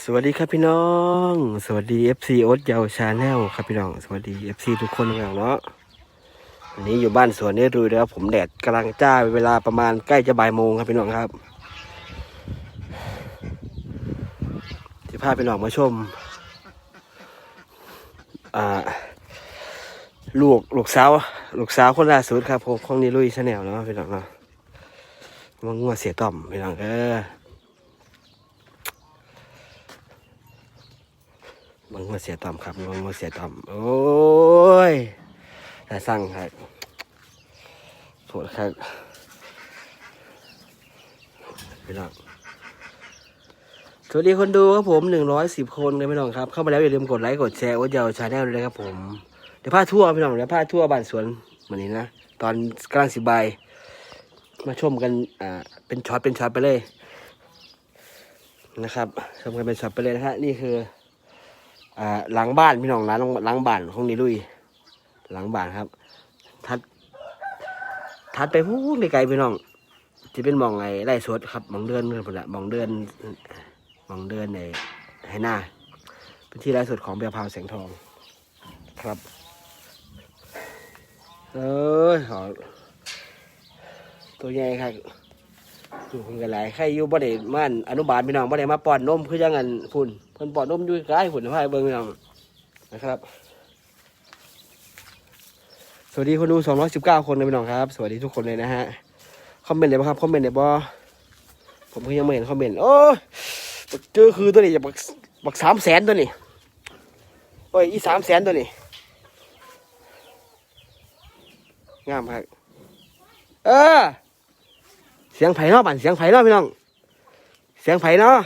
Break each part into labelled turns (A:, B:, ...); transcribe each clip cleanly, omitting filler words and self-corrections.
A: สวัสดีครับพี่น้องสวัสดี FC โอ๊ตเยาวชาแนลครับพี่น้องสวัสดี FC ทุกคนอย่างเนาะวันนี้อยู่บ้านสวนนี่ดูแล้วผมแดดกำลังจ้าเวลาประมาณใกล้จะบ่ายโมงครับพี่น้องครับจะพาพี่น้องมาชมลูกสาวคนล่าสุดครับผมของนิลุยชาแนลเนาะพี่น้องเนาะมันงัวเสียต่อมพี่น้องมันมาเสียต่ำครับมันมาเสียต่ำโอ้ยแต่สั่งครับโทษครับพี่น้องสวัสดีคนดูครับผม110 คนเลยพี่น้องครับเข้ามาแล้วอย่าลืมกดไลค์กดแชร์โอ๊ตเยาวชาแนลด้วยนะครับผมเดี๋ยวพาทั่วพี่น้องเดี๋ยวพาทั่วบ้านสวนเหมือนนี้นะตอนกลางสิบใบมาชมกันเป็นช็อตไปเลยนะครับชมกันเป็นช็อตไปเลยนะฮะนี่คือหลังบ้านพี่น้องหลังบ้านของนิลุยหลังบ้านครับทัดไปพูดไกลพี่น้องจะเป็นมองไงไร่สดครับมองเดินพุ่นละมองเดินในให้หน้าเป็นที่ไร่สดของเบียร์พาวแสงทองครับหอตัวใหญ่ครับอยู่คนกันหลายใครอยู่บ่ได้ม่านอนุบาลพี่น้องบ่ได้มาป้อนนมคือยังงั้นพุ่นเพิ่นป้อนนมอยู่ใกล้พุ่นพาไปเบิ่งพี่น้องนะครับสวัสดีคนดู219 คนนะพี่น้องครับสวัสดีทุกคนเลยนะฮะคอมเมนต์เลยบ่ครับคอมเมนต์เลยบ่ผมก็ยังไม่เห็นคอมเมนต์โอ้เจอคือตัวนี้จะบัก300,000ตัวนี้โอ้ยอี300,000ตัวนี้งามครับเสียงไผ่เนาะบั่นเสียงไผ่เนาะพี่น้องเสียงไผ่เนาะ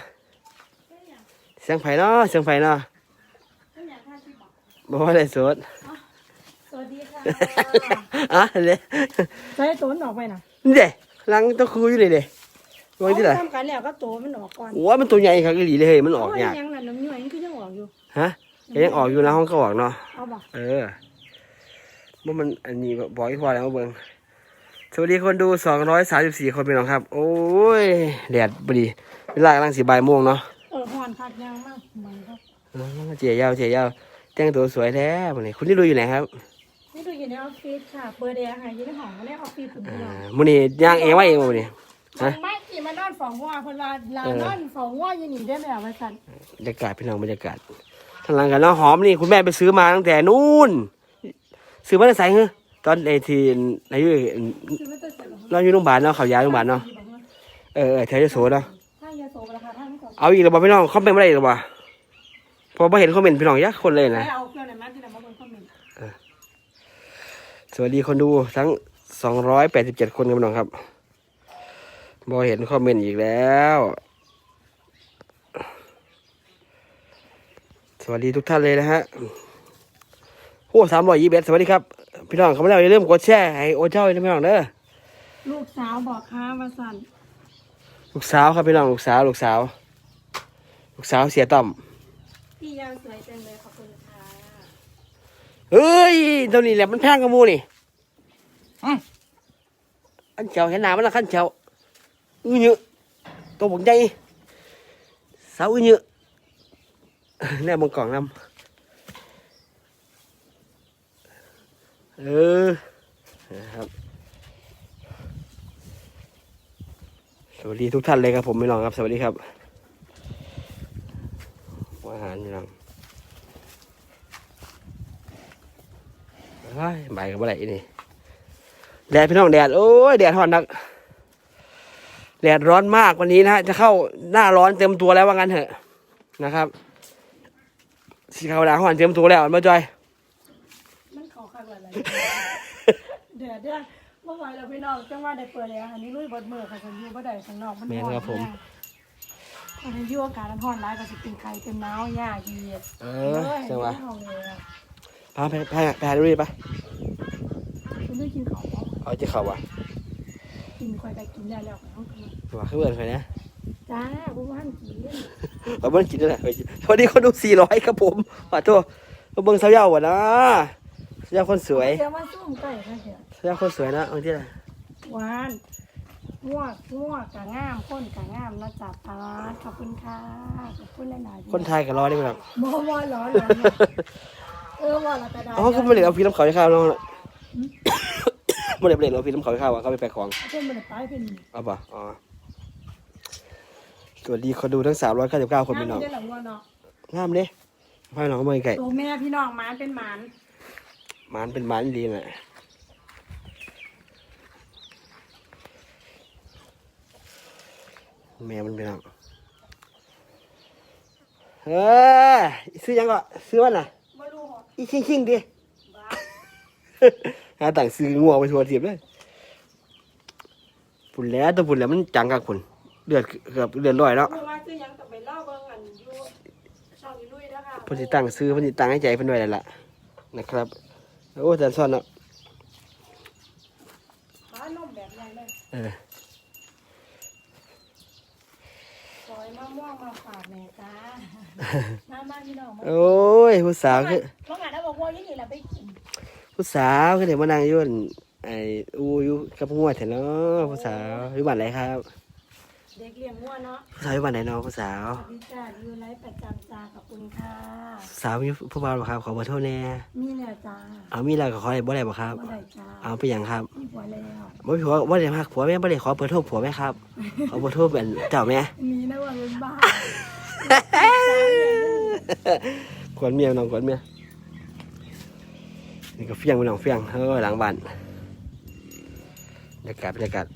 A: บ่ว่าได้สด
B: สวัสดีค่ะ
A: เลย
B: ใช้ตัวมันออกไปนะ
A: นี่เด้ลังตะคูอยู่เลยเด้วางที่ไหน
B: ทำกันแล้วก็ตัวมันออกก่อน
A: โอ้มันตัวใหญ่ครับอีหลีเลยเฮ้ยมันออกยาก
B: ยังนั่นน้ำย่อยมันคือยังออกอยู่
A: ฮะยังออกอยู่นะห้องก็ออกเนาะ
B: เอาบ่
A: ว่ามันอันนี้บอกอีกพอแล้วมาเบิ่งสวัสดีคนดู234 คนเป็นน้องครับโอ้ยแดดพอดีเวลากำลัง4 บ่ายโมงเนาะ
B: หอนคักยังมากเหมือนครับ
A: เจี๋ยาวแต่งตัวสวยแท้วันนี้คุณนี่ดูอยู่ไหนครับ
B: นี่ดูอยู่ในออฟฟิศค่ะเปิดแอร์ค่ะอยู่ในห้องในออฟฟิศผมเลย
A: มื้อนี้ย่างเองว่าเองมื้อนี้
B: ฮะไม่กี่มานอนฝังว่าเพิ่นว่าลานอนฝังว่าอยู่นี่ได้แบบว่าซั่น
A: บรรยากาศพี่น้องบรรยากาศทางหลังกันแล้วหอมนี่คุณแม่ไปซื้อมาตั้งแต่นู่นซื้อมาได้ใส่เหรอตอนทีอายุเราอยู่โรงพยาบาลเนาะเขาย้ายโรงพยาบาลเนาะแถวยโสเนาะเอาอีกแล้วบ่พี่น้องคอมเมนต์มาได้อีกแล้วบ่พอมาเห็นคอมเมนต์พี่น้องยักคนเลยนะสวัสดีคนดูทั้ง287 คนครับพี่น้องครับบอเห็นคอมเมนต์อีกแล้วสวัสดีทุกท่านเลยนะฮะโอ้321สวัสดีครับพี่น้องเขาไม่ได้อย่าลืมกดแชร์ให้โอเจ้าด้วยพี่น้องเด้อ
B: ลูกสาวบอกค้ามาสั่น
A: ลูกสาวครับพี่น้องลูกสาวเสียต่อม
B: พี่ยาวสวยจังเลยขอบคุณค่ะ
A: เฮ้ยตัวนี้แหละมันแพงกับมูนี่อันเจ้าเห็นหนามันละขั้นเจ้าเยอะตัวผมใหญ่สาวเยอะแน่มองกล่องน้ำนะครับสวัสดีทุกท่านเลยครับผมไม่ลองครับสวัสดีครับอาหารพี่น้องใบกับอะไรนี่แดดพี่น้องแดดโอ้ยแดดร้อนนักแดดร้อนมากวันนี้นะจะเข้าหน้าร้อนเต็มตัวแล้วว่างั้นเถอะนะครับสีขาวดาร้อนเต็มตัวแล้วมาจอย
B: มันขอข้างอะไรเดี๋ยวเมื่อวานเราพี่น้องจังว่าได้เปิดเลยอันนี้ลุยบดมือค่ะฉันอยู่บ่ได้ข้างนอกมันร้อนผมอันนี้อยู่อากาศร้อนร้ายก็จะเป็นไข่เป็นน้าวยากดี
A: จังหวะพาไปหาดูดิปะ
B: คุณได้กินเขา
A: เอาจะเข่าว่ะ
B: กินค่อยไปกินได้แล้ว
A: ว่าขึ้นเบิร์นใครนะ
B: จ้าผมว่ากิน
A: เบิ้งกินได้แหละสวัสดีคนดู400ครับผมขอโทษเบิ้งสาวเยาว์วะนะสาวคนสวย
B: เจ้ามาซุ่มไก่ค่ะเถอะ
A: สาวคนสวยนะเอาที่ไหน
B: หวานง่วงกะงามคนกะงามนะจ๊ะปาดขอบคุณค่ะขอบคุณหลายๆ
A: คนไทยก็รอได้ไหมครับ
B: บ่ร้อนว่าละกระดาษ
A: อ๋อเขาไม่ได้เอาพี่น้ำเขาไปข้าวน้องไม่ได้เอาพี่น้ำเขาไปข้าวเขาไปแปะของ
B: เพิ่นบ่ได้ไปเพิ่น
A: เอาป่ะอ๋อสวัสดีคนดูทั้ง399คนพี่น้อง
B: ได้หลังว่าเนาะ
A: งามเด้พาน้องมาไก่
B: ตัวแม่พี่น้องหมานเป็นหมาน
A: มันเป็นมันดีแหละแม่มันเป็นอะไรซื้อยังก็ซื้อวันน่ะ
B: บ่รู้หรอก
A: อีชิงดิ หาต่างซื้องัวไปทัวร์เทียบเลยฝุ่นแล้วตัวฝุ่นแล้วมันจังกับฝุ่นเดือดเกือบเดือดร้อยแล้ว
B: รู้ว่าซื้อหยังต้องไปเล่าเบิ่งอันอยู่ช่องนี้ลุยเด้อค่ะ
A: เพิ่นสิตั้งซื้อเพิ่นสิตั้งให้ใจเพิ่นไว้แล้วล่ะนะครับโอ้แต่ซ่อนเนาะ
B: ขานมแบบใหญ่เลยซอยมะม่วงมาฝากแม่จ้ามาพี่น้องมา
A: โอ้ยผู้สาวคือ
B: เพราะงั้นเอาบอกว่านี่ล่ะไปกิน
A: ผู้สาวคือเดี๋ยวมานั่งอยู่อั่นไอ้อยู่กับงัวแท้เนาะผู้สาวอยู่บ้านไหนครับ
B: เด็กเลี้ยงงัวเนาะ
A: ผู้สาวอยู่บ้านไหนเนาะผู้สาว
B: สวัสดีจ้าอยู่ไลฟ์ประจำจ้าขอบคุณค่ะ
A: สาวมีผู้บ่าวบ่ครับขอเบอร์โทรแน่
B: มีแล้วจ้า
A: เอามีแล้วก็ขอได้บ่ได้บ่ครับ
B: บ่ได้จ้า
A: เอาไปหยังครับ
B: มีผัวแล้ว
A: บ่มีผัวบ่ได้ฮักผัวแม่บ่ได้ขอเบอร์โทรผัวแม่ครับขอเบอร์โทรเป็นเจ้าแม่
B: มีนะว่าเป็นบ้า
A: ขวัญเมียน้องขวัญเมียนี่ก็เฟี้ยงไปน้องเฟี้ยงหลังบ้านบรรยากาศ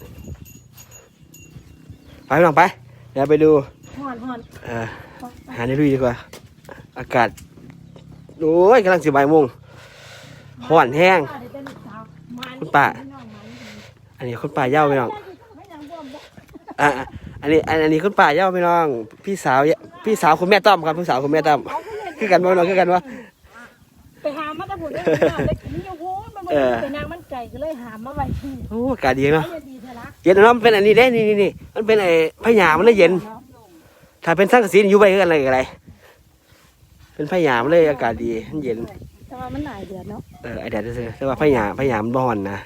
A: ไปน้องไปเดี๋ยวไปดู
B: ห่อน
A: หาในลุยดีกว่าอากาศโอ้ยกำลังสิบ่ายโมงร้อนแห้ง คุณป้า อันนี้คุณป้าเย้าไปน้องอันนี้คุณป้าเย้าไปน้องพี่สาวคุณแม่ต้อมครับพี่สาวคุณแม่ต้อมคือกันบ่น้องคือกันบ่
B: ไปหามาตะบุญได้ได้กินอยู่โหมันเป็นนางมันไก่ก็เลยหามาไว้ที่
A: โอ้อากาศดีเนาะ
B: ดีเถอะละ
A: เย็นเนาะมันเป็นอันนี้เด้นี่มันเป็นไอ้พญามันเลยเย็น ถ้าเป็นสังกะสีอยู่ไปกันอะไรเป็นพญามันเลยอากาศดีมันเย็น
B: แต่ว่ามันหลายเดือนเนาะ
A: ไอแดดซื่อแต่ว่าพญามันบ่อนนะ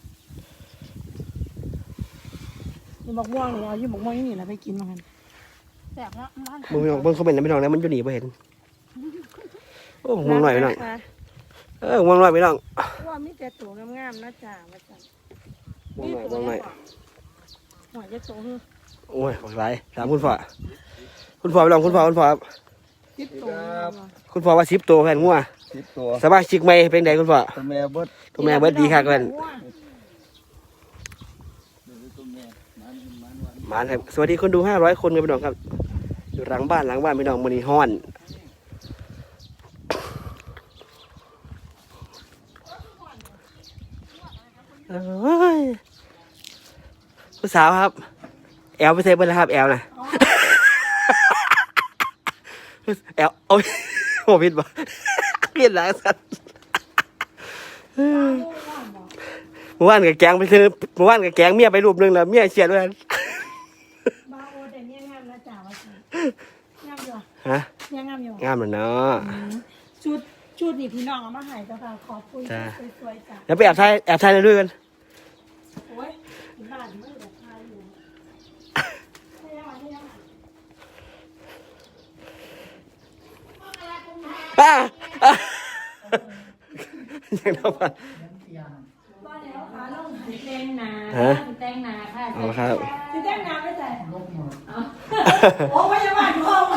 B: อยู่บักม่วงนี่เอาอยู่บักม่วงนี่แหละไปกินมากันแซ่บแล้วร้าน
A: มึงไม่น้องเบิ่งเขาเป็นไม่น้องแล้วมันอยู่หนีไปเห็นโอ้มึงหน่อยไปน้องมึงหน่อยไปน้อง
B: ว่ามีแต่ตัวงามๆนะจ๊ะว่าจ๊ะ
A: มึงหน่อย
B: หัวจะโตคือ
A: โอ้ยหลากหลายถามคุณพ่อไปลองคุณพ่อครับ
B: ติดตัว
A: คุณพ่อว่า10 ตัวแผ่นงัว
C: 10 ตัว
A: สมาชิกใหม่เป็นไงคุณพ่อ
C: ตัวแม่เบิด
A: ตัวแม่เบิดดีค่ะกัน
C: ตัวแม่มัน
A: หมานครับสวัสดีคนดู500 คนกันพี่น้องครับอยู่หลังบ้านพี่น้องมื้อนี้ฮ้อนผู้สาวครับแอลไปเซฟเบิ้ลนะครับแอลนะแอลโอ้ยโอ้ผิดบ่ผิดหลังสัตว์เมื่อวานกับแกงไปซื้อเมื่อวานกับแกงเมียไปรูปนึงแล้วเมียเฉียดด้วยกัน
B: บาโอแต่เนี่ยงามนะจ๊ะว่าจ๊ะงามอยู่
A: ฮะ
B: เนี่ยงามอยู่
A: งามเลยเนาะ
B: ชุดนี่พี่น้องเอามาให้เจ้าค่ะขอบคุณสวยๆจ้ะ
A: แล้วไปแอบถ่ายในด้วยกัน
B: โอ้ยบ้านมือแบบทายอยู่ไม่ยัง
A: ยังเอาไป
B: บ้านแล้วขาลงแตงนา
A: ฮะ
B: แตงนาค่ะ
A: เอาครับ
B: คือแตงนาไม่ใส่โอ้พยาบาลพ่อมา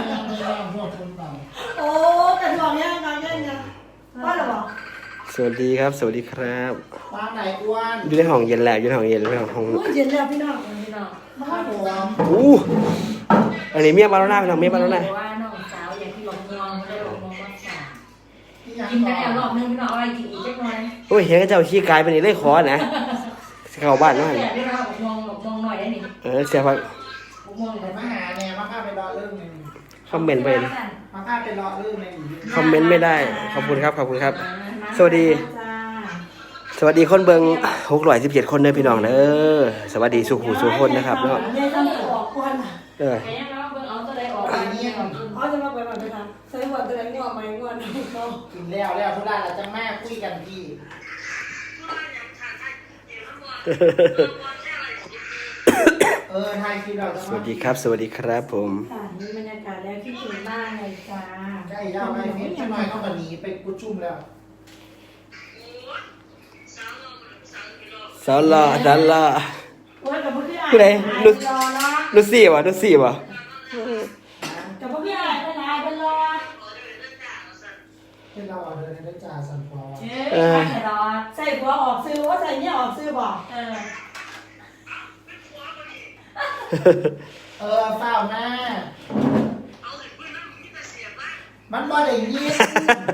B: โอ้กระดองเนี่ยมาเนี่ยบ้านหรอ
A: สวัสดีครับ สวัสดีครับ
C: ปลาไหนอ้วน
A: อยู่ในห้องเย็นแล้วอยู่ในห้องเย็นไม่ห้อง
B: อุ้ยเย็นแล้วพี่น้อง
C: ข้าวหอม
A: อู้อันนี้เมียมาแล้วหน้าพี่น้องเมียมาแล้วหน้า
D: ว่าน้องสาวอย่างที่บอกมองได้บอกมองว่าสาว
C: ที่ยัง
D: กินไปแล้วรอบนึงพี่น้องเอาอะไรกินอีกจักหน่อย
A: โอ้ยเห็นกับเจ้าขี้กายไปนี่เลยขอนะเข้าบ้านเนาะ
D: แต่ได้เราบอกมองหน่อยได้นี่
A: เสียพัก
D: บอกมองหน่อย
C: มาหาเนี่ยมาข้าไปรอเรื่องนึง
A: คอมเมนต์ไป
C: มาข้าไปรอเรื่องนึง
A: คอมเมนต์ไม่ได้ขอบคุณครับสวัสดีคนเบิง617 คนเด้อพี่น้องเด้อสวัสดีสุขุสุคนนะครับเนาะ
B: เดี๋ยวต้องออกก่อน
A: เออ
D: แค่ยังเราเบิ่งเอาตัวใดออกไปนี่ก่อน
B: เขาจะมาไปแบบไหนคะใส่หัวตัวไหนงอไหมงอนเขา
C: กินแล้วทุกด้านเราจะแม่คุยกันพี่ถ่ายคลิปเราจะ
A: สวัสดีครับ สวัสดีครับผม
B: ค่ะนี่บรรยากาศแล้วคิดถึงมากเลยจ้า
C: ใกล้ยาวไปเม็ดใช่ไหมเขาแบบนี้ไปกุชุ่มแล้ว
A: สาวหล่อสาวหล่อ
B: โอ้ยกับพวกพี่อ่าน
A: ผู้ใด
B: รอเนาะ
A: ดูสี่วะดูสี่วะ
B: กับพวกพี่อ่านเป็นไรเป็นรอ
C: ให้เราเอาเดินได้จ่าสันฟอร์
D: เออใช่รอ
B: ใส่หัวออกซื้อว่าใส่เนี่ยออกซื้อบอก
C: เฝ้าหน้ามันบ่ได้ยิน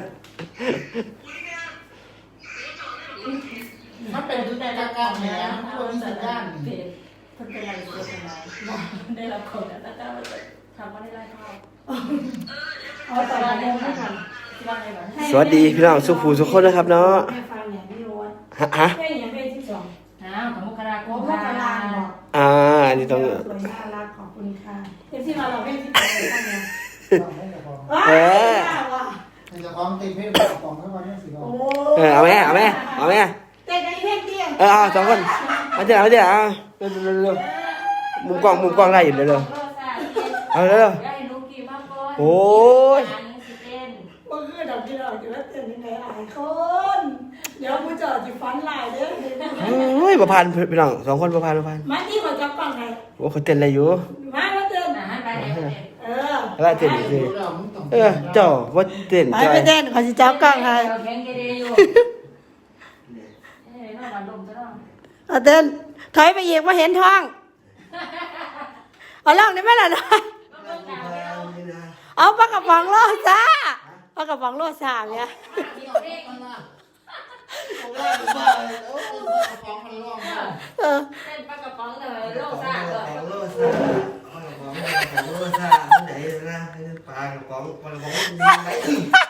C: มันเป็นทุกแต่ละการเนี่ยมันบ่มีสัญญาณ
D: มันเป็นอะไรเสียเป็นไรได้รับคนแล้วก็ทำมาได้ไล่เข้า
B: เอาแต่ละโมงไม่ทัน
D: ที่บ้านอะไรบ้าง
A: สวัสดีพี่น้องสุภูทุกคนนะครับเนาะ
B: ให้ฟังอย่างพี่โอ๊ต
A: ฮะ
B: แค่อย่างเป็นที่สอง
D: ของมกราค
B: โอ้
D: ม
B: พ่อกำลังบอก
A: อันนี้ต้อง
B: สวยน่ารักขอบคุณค่ะเอฟซีมาเราเป็นที่สองเลยท่านเนี่ย
C: ให้เจ้าของ
B: ว้าวว่ะ
C: ให้เจ้าของติดเพชรกระป๋องเข้ามาเนี่ยสิบ
B: โอ้
A: เอาไหมเอาไหมเอาไหม
B: เต้นกันเพ่งเตี้ย
A: เอาสองคนมาเดี๋ยวมาเดี๋ยวเร็วมุมกล้องได้อยู่เร็วเอาเร็ว
D: ได้ลูกกี่มากก่อน
A: โอ้ย
D: อันนี้สิเต้น
B: เมื่อคืนเราที่เราจะว่าเต้นยังไงหลายคนเดี๋ยวผู้จอดจะฟันลายเด้อ
A: โอ้ยประพันธ์พี่น้องสองคนประพันธ์
B: มาที่เขาจับปังไง
A: โอ้เขาเต้นอะไรอยู่
B: มาเต้น
D: อาหารไปไหน
A: แล้วเต้นสิเจ้าว่าเต้น
B: ไปเต้นเขาจะจับกล้องให้
D: แข็งเกเรอยู่นอกบ้านลมซะแล้ว
B: เต้นถอยไปอีกมาเห็นท้องเอาล่องได้ไหมล่ะนะเอาปลากระป๋องโลซ่าปลากระป๋องโลซ่าเนี่ย
D: มีเด็ก
B: เออ
D: เต้นปลากระป๋องเลยโลซ่าเลย
A: โลซ่าโลซ่าไหนนะปลากระป๋องดีไหม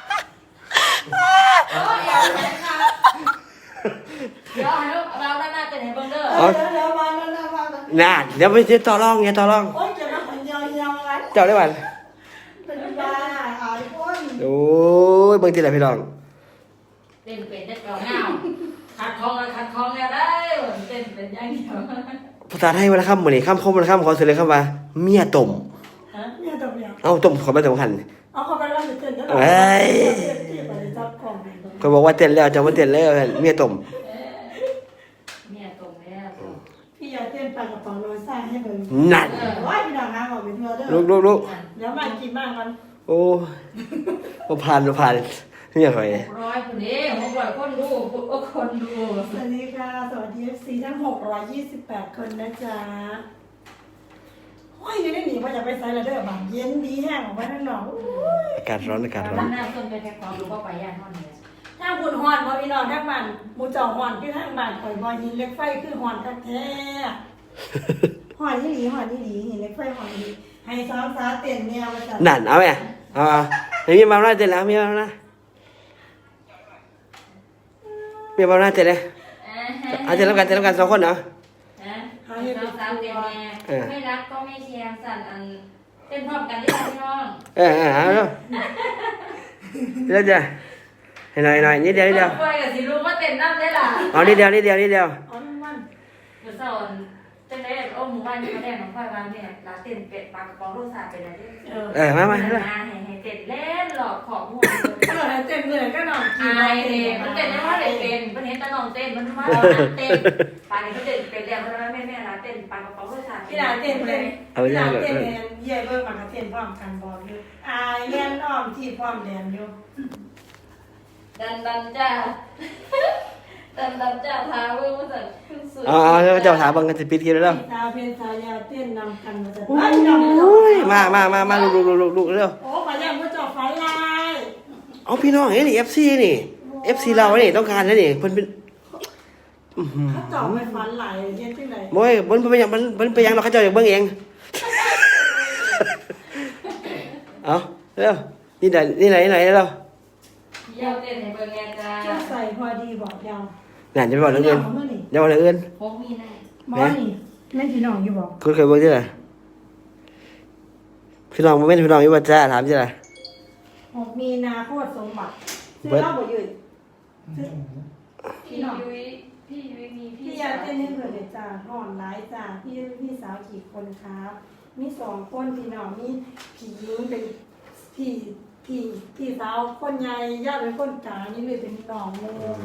D: เดี๋ยวให้เราหน้าเต้นให้เบิ่งเด้อ
B: เดี๋ยวมา
A: น่าเดี๋ยวไปเจอต่อรองไงต่อรอง
B: โอ้ยเจะมาคนยาวๆกัน
A: เจ้าได้วัน
B: เป็นบ้าหายคน
A: โอ้ยเบิ่งที่ไหนพี่น้อง
D: เต้นเป็นได้เก่าเงาขัดคองแล้วได้เต้นเป็นอย่างเดียว
A: ภาษาไทยวันละคำเหมือนนี่คำคมวันละคำขอเสนอคำว่าเมียต้ม
B: เนี่ยตัวเดียว
A: เอ้าต้มขอไม่สำคัญ
B: เอาเข้าไปแล้วจะเต้นได้หรอจับกล่อง
A: ก็บอกว่าเต้นแล้วจะมาเต้นแล้วเมียต้ม
D: เมียตรงแล้ว
B: พี่อยากเต้นปลากระป๋องโรซ่าให้เบิ่ง
A: นั่น
B: ว่าพี่ดาวน้ำออกเป็นเธอเด้อ
A: ลูก
B: เดี๋ยวมากินมากมัน
A: โอ้ประพันเนี่ยใคร
D: 600คนนี้600คนดูคนดู
B: สวัสดีค่ะสวัสดี FC ทั้ง628คนนะจ๊ะโอ้ยนี่ได้หนีว่าจะไปไซด์เด้อบางเย็นดีแห้งออกไปข้างนอก
A: อากาศร้อน
D: หน้าต้นไปแค่ความรู้ก็ไปย่านห้องนี้
B: ถ้าคุณฮอนพอพี่น้องทั้งบ้านหมูเจ้าฮอนคือทางบ้านข่อยบอหินเล็กไฟคือฮอนคักแท้ฮอนที่หลีหินเล็กไฟฮอนที่ให้ซ้อมซาเต้นเนี่ยว่าจะ
A: นั่นเอาไหมเอามีมาหน้าเต้นแล้วมีมาหน้าเต้นเลยเอาเต้นแล้วกันสองคนเนาะ
D: สาวเต้นแม่ไม่รักก็ไม่เชียร์สั่นอันเต้นพร้อมกันได้พี่น้อง
A: เอาเร็วจ้ะให้หน่อยนิดเดียว
D: ไปกับสิลูกว่าเต้นน้ำได้ล่ะ
A: เอานิดเดียว
B: อ๋อมัน
D: เดี๋ยวสอนเต้นได้โอ้หมู่บ้านนี่มาแดงน้องควายวางเนี่ยลาเต้นเป็ดปลากระป๋องรสชาติเป็นอะไร
A: มา
D: ให้เต้นเล่นหลอกของหัว
B: เต้นเลยก็นอนกิน
D: อายเลยมันเต้นได้ว่าเด็กเป็นมันเห็นตาน้องเต้นมันว่าเต้นปานนี้เขาเต้นเป็นแล้วเพราะว่าแม่ลาเต้นปลากระป๋องรสชาติ
B: พี่ดาเต้นเลยพี่ดาเต้นเลยเย่เบิ่งมันก็เต้นพร้อมกันบอกอยู่อายแม่นอ้อมที่พร้อมแดนอยู่
D: ดันจ้าทาเบิ่งมาจากขึ้นสุด
A: เจ้าถามบังกันจะปิดคลิปแล้ว
B: ตาเพนตายาเต้นนำกันมาจาก
A: โอ้ยมาลูกเร็ว
B: โอ้ขยันมาจอบไฟลาย
A: เอาพี่น้องนี่ FC นี่ FC เรานี่ต้องการแล้วนี่เพิ่นเป็น
B: เขาจอบไปฟันไหลเย็นที่ไหน
A: โอ้ยมันเป็นอย่างมันเป็นอย่างเราเขาเจ้าอย่างเบิ่งเองเอาเร็วนี่ไหนเร็ว
D: เยี่ยวเต้นให้เบิ่งแงจ้า
B: จะใส่พอดีบอกยาว
A: นั่นจะไปบอกเรื่องอื่นอย่าบอกเรื่องอื่น
D: พกมีหน้า
B: หมอนี่แม่พี่น้องอยู่บอก
A: คุณเคยบอกที่ไหนพี่น้องไม่เป็นพี่น้องอยู่ว่าจ้าถามที่ไหน
B: 6 มีนาโคตรสมบัติซื้อเหล้าบ่ยืด
D: พี่ยุ้ยพี่ไม่มี
B: พี่ยาเต้นให้เพื่อนเลยจ้าห่อนร้ายจ้าพี่สาวกี่คนครับมี2คนพี่น้องมีผีหญิงเป็นพี่สาวคนใหญ่ญาติเป็นคนกลางนี่เลยเป็นน้องโม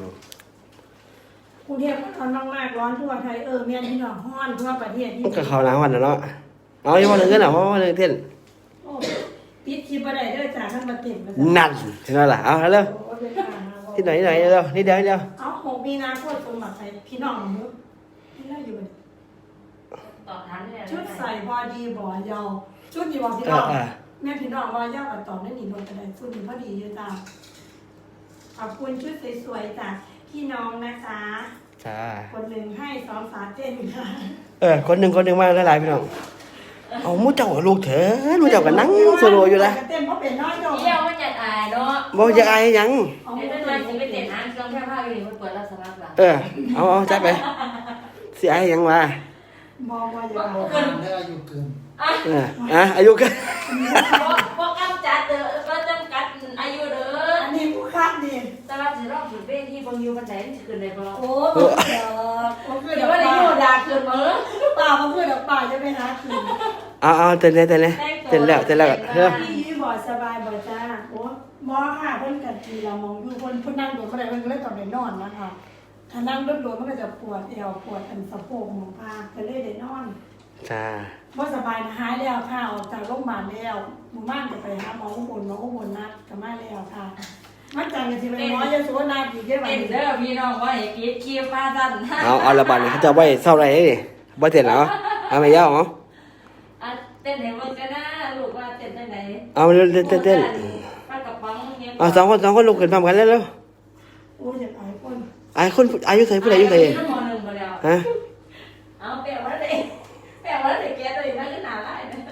B: กรุงเทพมันร้อนมากร้อนทั่วไทยแม่พี่น้องฮ้อนทั่วประเทศที่
A: ก็เขาหนาวันนะเนาะเอาอย่ามาเรื่องเงินเหรอเพราะว่าเรื่องเต้น
B: โอ้ปิดคลิปบ่ได้เด้อจ้าท่านมาเต็มมา
A: นั่นเห็นไหมล่ะเอาเร็วที่ไหนเร็วนิดเดียว
B: เอา6 มีนาคมตรงหลักใส่พี่น้องหนูพี่น้องอยู่
D: ต่อทันเนี่ย
B: ชุดใส่พอดีบ่ยาวชุดนี้บ่พี่น้องแม่พี่น้องว่ายาวกับต่อนั่นนี่ลงกระไดชุดนี้พอดีอยู่จ้าขอบคุณชุดสวยๆจากพี่น้องนะคะ
A: จ้า
B: คนหนึ่งให้2 สาเต้นค่ะ
A: คนหนึ่งมาหลายๆพี่น้องเอามูเจ้าลูกเถอะลูกเจ้าก็นั่งโซโลอยู่ละ
B: เต้นเพราะเป็นน้อยดอก
D: เที่ยวมันจะอายเนาะ
A: บอกจะอายหยัง
D: เดี๋ยวจะสิไปเต้นหางเครื่องแค่ผ้าอยู่นี่มันเปิดรับสมัครละ
A: เอาจัดไปสิอายหยังวะ
B: มองว่าอย่า
C: โอ้เกินได้อายุเกิน
A: อายุกัน
D: พวกกำจัดเด้อก็จำกัดอายุเด้อ
B: อันนี้ผู้คาดดี
D: แต่ว่าสิรอบถึงเป้ที่บางยูมันไหนมันจะขึ้นได้บ่
B: โอ้เดี๋ยวผมคือ
D: เดี๋
B: เดี๋
D: ย
B: ยว ว
D: ว่าได้
B: ได้
D: โย
B: โย
D: ดาขึ้นมื้อ
B: ป่าผมคือเดี๋ยวป่าจะไปหาคืน
A: เอาเต้นเลยเต้นแล้วเร็ว
B: พี่ยืมบ่สบายบ่จ้าโอ้หมอค่ะเพิ่นกัดทีเรามองอยู่คนนั่งโดดบ่ได้เพิ่นก็เลยต้องได้นอนนะคะถ้านั่งโดดมันก็จะปวดเอวปวดอันสะโพกหมองพาก็เลยได้นอน
A: จ้า
B: บ่สบายนะหายแล้วค่ะออกจากโรงพยาบาลแล้วหมู่บ้านก็ไปหาหมออุบลนัดก็มาแล้วค่ะมันจังก็สิไปหมอยโสนาอีกเด้อบัด
D: เต้น
B: นี้
D: เด้อพี่น้องว่าให้ปิดคลิปมาสั่น
A: เอาระบาดเขาจะไว้เศร้าไรนี่บ่เต้นแล้วเอาไม่ยาวเอา
D: เต้นให้เบิ่งกันนะลูกว่าเต้นจังได๋
A: เอาเต้น
D: ปากกระป๋องเนี่ย
A: เอาสองคนลุกขึ้นพร้อมกันแล้ว
B: โอ้ยอยากอายคน
A: คนอายุใส่ผู้ใดอายุใส่
D: ม.1บ่แล้ว
A: ฮะ
D: เอาแปลว่าได้แกตัวนี้มันก็น่ารักนะ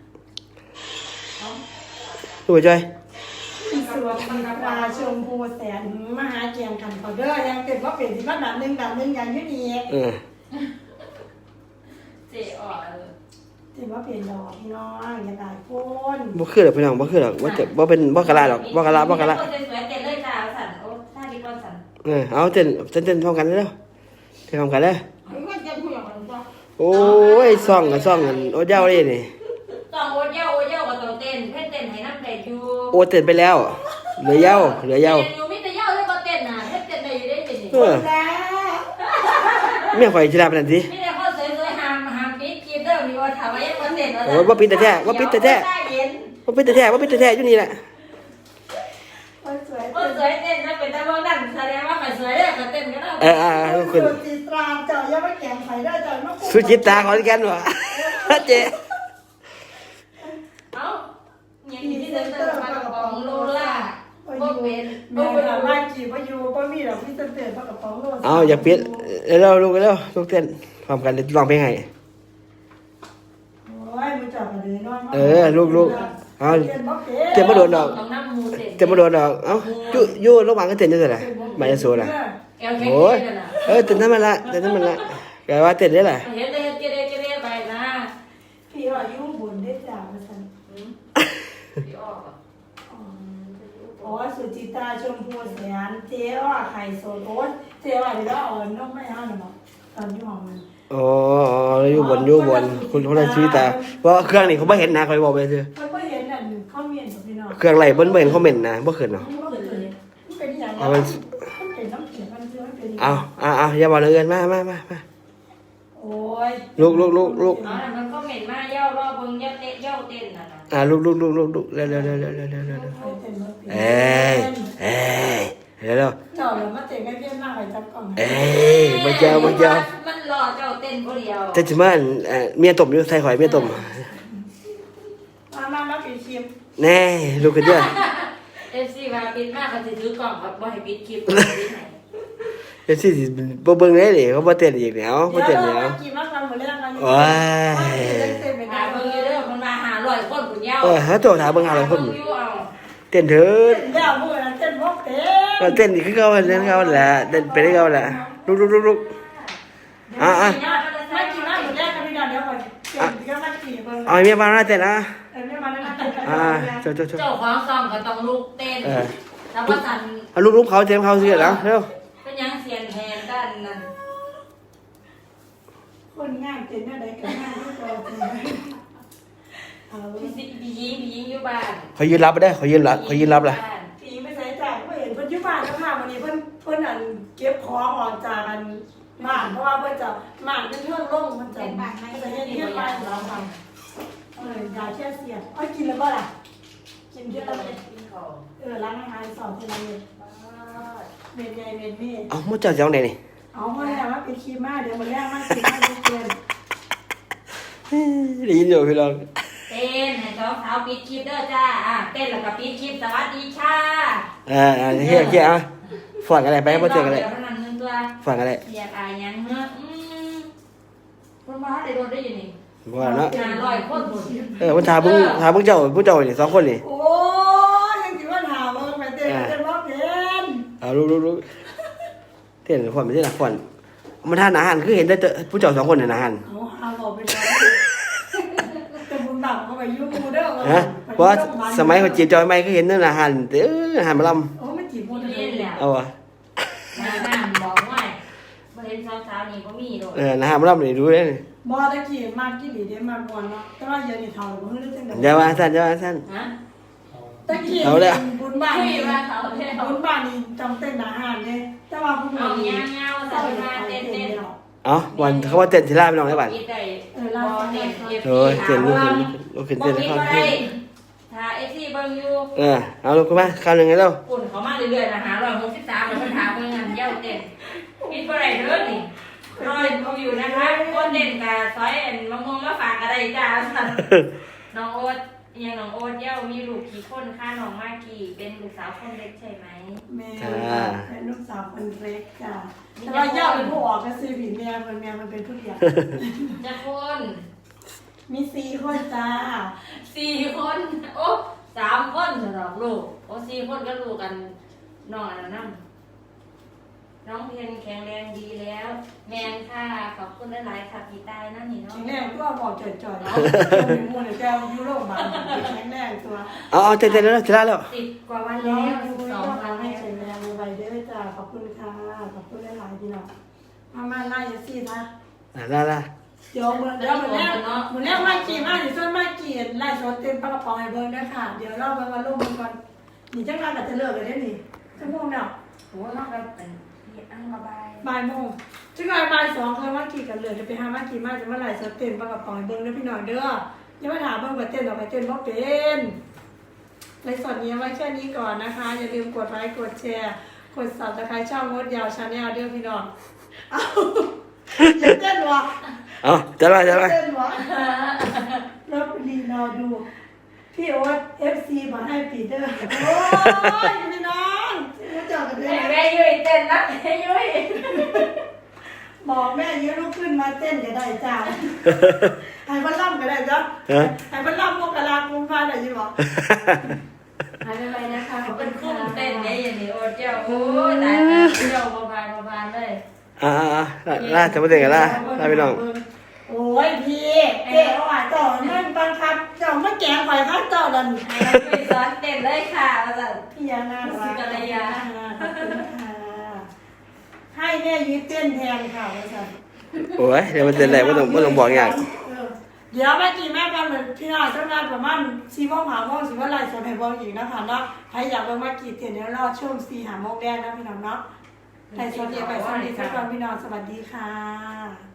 A: ดูไปจ้อย
B: สวัสดีค่ะชมพูแสนมหาเกียงกันเขาเด้อยังเต็มว่าเป็นที่บ้านดับหนึ่งอย่างนี้ดี
D: เจ๊อ๋อ
B: เต็มว่าเป็นดอกพี่น้องอย่าได้คน
A: บ่คือหรอกพี่น้องบ่คือหรอกบ่เป็นบ่กะลาหรอกบ่กะลา
D: สวยเต้นเลยจ้าสั่นโอ้ท่าดีกว่าสั่น
A: เอาเต้นพร้อมกันแล้วเต้นพร้อมกันแล้ว
B: มันจะพูดอย่างไรบ้าง
A: โอ้ยซ่องกันโอ้เจ้าเลยนี่
D: ต้องโอเย่าก็ต้องเต้นเพ่นเต้นให้น้ำเต้นอยู่
A: โอ้เต้นไปแล้วเหลือเย้า
D: เต้นอยู่มิแต่เย่าเลยก็เต้นน่ะเพ่นเต้นได้อยู่ได้เป็นนี่
B: แล้ว
A: เมียข่อยสิลาปานนั้นสิ
D: มิแต่เขาสวยๆห้ามปิดคลิปเด้อมีว่าถามว่ายังบ่เต้น
A: โอ้บ่ปิดแต่แท้บ่ปิดแต่แท้อยู่นี่แหละ
B: คนสวย
D: คนสวยเต้นถ้าเป็นตาเบิ่งนั่นแสดงว่าใครสวยเด้อก็เต้นก็ได้
B: คุณจิตราเจ้าอย่ามาแข่งไข่ได้เจ้ามา
A: สุจิตาขอนแก่นว่ะเจ๊
D: เอ้าอย่างนี้เซ็นเตอร์ปากกระป๋องโลล่าบ่เป็น
B: เมื่อว่าจีบว่าอยู่ก็มีดอกพี่เตือนพระกระป๋องโล
A: เอาอย่าปิดเร็วลูกเต้นพร้อมกันเดี๋ยวร้องเพลงให้
B: โอ้ยมึงจับมาเลยน้อยมาก
A: ลูกเอาเต้นบ่โดนดอก
D: ต้องน้ำมูเต้น
A: เต้นบ่โดนดอกเอ้าอยู่ระหว่างก็เต้นอยู่ซั่นน่ะมาจะสู้น่ะ
D: แก้วแข็ง
A: โอ้ย
D: นั่นน่ะ
A: เต้นธรรมดาแกว่าเต้นได้ล่ะ
D: เห็นเลยเกเรไปนะ
B: พี่ว่ายุ่งบุญได้จ่ามาสั่น
D: พี่ออกอ่ะ
B: อ๋อสุจิตาชมพูแสนเจ๊ว่าไข่โซโอ๊ตเจ๊ว่าเดี๋ยวอ่อนน้องไม่เอาหน่อยตอนยุ่งมัน
A: อ๋ออยู่บนคุณคนละชีวิตแต่ว่าเครื่องนี่เขาบ่เห็นนะเขาบอกไปซื่อ
B: เขาไม่เห็นอ่ะเขาเมียนกับพี่น้อง
A: เครื่องไหลบ่เห็นคอมเมนต์นะบ่ขึ้นเนาะ
B: มันเป็นอย่าง
A: เอา
B: นั้
A: มัน
B: มันเป็นน้ำเขียวมันเชื่อมันเป็น
A: เอาอย่าบอกเลยเอิ้นมา
B: โอ้ย
A: ลูก
D: อ๋อมันก็เหม็นมากเย่ารอบเบิ่งเย่าเต้นน่ะนะ
A: ลูกเร็วเร็ว
B: เจ้าเลยมาเตะไม่เพี้ยนมากเลยจับกล่อง
A: มาเจอ
D: มันรอเจ้าเต้นผู้เดียว
A: แต่จิมาเมียต้มอยู่ใส่หอยเมียต้ม
B: มาปิดคลิป
A: แน่ลูกกันเด้อ
D: FC ว่าปิดมากก็สิถือกล่องครับบ่ให้ปิดคลิปปิดให้
A: เดี๋ยวสิบ่เบิ่งได้ดิเขาบ่เต้นอีกแล้วบ่เต้นแล้ว
B: กี่มาทำหมดแล้วกัน
A: โอ้ย
B: เต้นเป็น
D: หาเบิ่งอยู่เด้อมันมา500คนคุณเย่า
A: หาตัวถามเบิ่งหาอะไรคน
D: อยู่เอา
A: เต้นเถิด
B: เดี๋ยวพูดนะเต้นพวกเต้
A: ก็เต้นอีกคือเก่าแหละเต้นไปได้เก่าแหละลูกอ่ะ
B: ไม่กี่มาหมดแล้วกันพี่น้องเดี๋ยวก่อนเต้นก็มากี่เบิ่ง
A: เอาเมียมาเต้นนะ
B: เต้นไม่มาแล้วนะเต้น
A: เจ้า
D: เจ้าของซองก็ต้องลุกเต้นแล้วก็สั่น
A: เอาลูกเขาเต้นเขาสิแล้วเร็ว
D: เป็นยังเสียนแทนด้านนั้น
B: โคนงานเป็นอะไรกันงานที่เราเอา
D: พี่ยิงอยู่บ้าน
A: เขายืนรับไปได้เขายืนรับล่ะ
B: ปีไม่ใส่จ่ายไม่เห็นเพิ่นยุบานแล้วค่ะวันนี้เพิ่นอันเก็บของออกจากอันบ้านเพราะว่าเพิ่นจะบ้านเป็นเรื่องล่งมันจะไม่ใช่เรื่องบ้านเราค่ะยาแค่เสียอ้อยกินแล้วก็ล่ะกินเยอะแล้วเลย
D: กินของ
B: ร้านอาหารสอนเทเลเมนใหญ่เมนนี่
A: เอ้ามุ่งเจ้าจังไหนนี่
B: เอามาแล้วว่าเป็นคีมาเดี๋ยวมาแรกมาคีมาเกิน
A: ได้ยินอยู่พี่น้อง
D: เต้นให้สองสาวปิดคลิปเด้อจ้าเต้นแล้วก็ปิดคลิปสวัสดีค่ะ
A: เฮียอ่ะฝันอะไรไปบ่เจอกันเลย
D: เท่านั้นนึงตัว
A: ฝันอะไร
D: อยากอายยังเนอะคนมาได้โดนได้ยังนี่
A: ว่าเนาะ
D: 500คนหมด
A: มันถามมึงเจ้านี่2คนนี่
B: โอ้ยังคิดว่าถามว่าไปเต้นเต้นว่าเพน
A: เอารู้เต้นฝันไม่ใช่หรอฝันมันทานอาหารคือเห็นได้ผู้เจ้า2คนเนี่ยอาหาร
B: เอาบอกไปแล้วแต่บุญบาปเขาไปยุ่งมูเด้อ
A: ฮะเพราะสมัยเขาจีบจอยไม่ก็เห็นนั่นอาหารอาหารมาล
B: โอ้ไม่จีบมู
D: นี่
B: เด้อ
D: แหละ
A: ำเอาอะ
D: น้ำบอกว่าบ่เห็นสาวๆนี่บ่มีโดด
A: อาหารมาลำนี่รู้ได้นี่
B: บอตะกี้มากกี่หลีเด้มากกว่าเนาะแต่ว่าเดี๋ยวนี้เท่าบ่ฮู้จังได๋
A: อย่าว่าสั้น
D: ฮะ
B: ตะกี้บุญบ้าน
D: ไม่
B: นี่
D: ว่าเขาเท่า
B: บุญบ้านนี่จำเต้นอาหารเด้แต่ว่าผู้
D: เอา
B: นี้
D: เงาๆใส่มาเต้น
A: เอาวันเขาว่าเต้นทีละพี่น้องได้บ้าน
D: คิดได้
B: ลา
D: บ่
B: เต้
D: เต้
B: น
D: น
A: เต้นลูกขึ้น
D: บ่
A: เต้น
D: คิด
A: เข้า
D: บ่
A: ที่
D: ได้ถ้า FC เบิ่งอยู่
A: เอาลูกขึ้นมาข้าวหนึ่งให้เรา
D: ปุ่นเขามาเรื่อยๆนะหา163แล้วมันถามเบิ่งอันเย้าเต้นคิดบ่ได้เด้อนี่รอยเขาอยู่นะคะคนเด่นกับซอยอันมะม่วงมาฝากอะไรจ้าน้องโอ๊ตยังน้องโอ๊ตเย้ามีลูกกี่คนค่ะน้องมากกี่เป็นลูกสาวคนเล็กใช่ไหม
B: แม่เป็นลูกสาวคนเล็กจ้ะแต่ว่าย่าเป็นผู้ออกก็ซื้อผีแม่มันเป็นผู้เดียว
D: จะคน
B: มี4คนจ้า
D: 4 คนโอ้3 คนสำหรับลูกโอ้4 คนก็ลูกกันน้องอันนั้นน้องเพนแข็งแรงดีแล้ว แมนค่ะขอบคุณหลายๆค่ะพี่ตายนั่นนี่เนาะ
B: แข็งแรงก็บอกจ่อยๆแล้วเป็นมูลแก้วยุโรปบาลแข็งแรงตัว
A: เอาเต้นแล้วทีละแล้ว
D: 10 กว่าวัน
B: น้อ
D: แล้
B: ง
D: ว
B: ดู
D: 12
B: ว่า
D: วัน
B: ให้
D: แล้ว
B: แข็งแรงไวเด้อจ้าขอบคุณค่ะขอบคุณหลายๆพี่น้องมาไล่สินะ
A: ละ
B: เดี๋ยวเหมือนมากี่มาถึงส่วนมากี่ไล่สดเต็มปากกระป๋องให้เบิ่งด้วยค่ะเดี๋ยวเรามาลงมือก่อนนี่จังงานอาจจะเลิกกันได้นี่ชั่วโมงเนาะ
D: โอ้นอกจากเป็นอังระบาย
B: บ่ายโมงจังงานบ่าย2เคยมากี่กันเลยจะไปหามากี่มาจะมาไล่สดเต็มปากกระป๋องให้เบิ่งด้วยพี่น้องเด้ออย่ามาถามเบิ่งว่าเต้นออกไปเต้นบ่เป็นไลฟ์สดนี้ไว้แค่นี้ก่อนนะคะอย่าลืมกดไลค์กดแชร์กด Subscribe ช่องงดยาว Channel เด้อพี่น้องเอาอย่าเต้นวะ
A: เอาจัดไป
B: เต้นวะรับรีรอดูพี่โอ๊ต FC มาให้ปีเตอร์โอ้ยพี่น้องรู้จักกันเลย
D: แม่ยุ้ยเต้นนะแม่ยุ้ย
B: บอกแม่ยืนลุกขึ้นมาเต้นก็ได้จ้าให้พันล่ำก็ได้จ้ะให้พันล่ำพวกกะลากุมภาได้ยินบอกหายไปนะคะขอบคุ
D: เป็น
B: ณ
D: คุ้
B: ค่ะ
D: มเต้นไงอย่างนี้โอ้เจ้าโอ้ตายเจ้าบานเลย
A: ล่าจะมาเต้นกันล่าพี่น้อง
B: โอ้ยพี่เจ๊เอาหวานต่อมันบังคับเจ้ามาแกงข่อยข้าเจ้าดัน
D: ให้ยุ้ยสอนเต้นเลยค่ะแล้วก็
B: พี่ยานารักขอบคุณค่ะให้แม่ยืดเต้นแทนค่ะอาจารย์
A: โอ้ยเดี๋ยวมันเต้นอะไรไม่ต้องบอกอย่าง
B: เดี๋ยวแม่กี่แม่กันเหมือนพี่น้องเจ้างานประมาณ4 โมง5 โมงสิว่าไลฟ์สดให้เบิ่งอีกนะคะเนาะใครอยากเบิ่งมากี่เต้นเดี๋ยวรอช่วง4 5 โมงแรกนะพี่น้องเนาะไลฟ์สดเดี๋ยวไปสวัสดีทุกคนพี่น้องสวัสดีค่ะ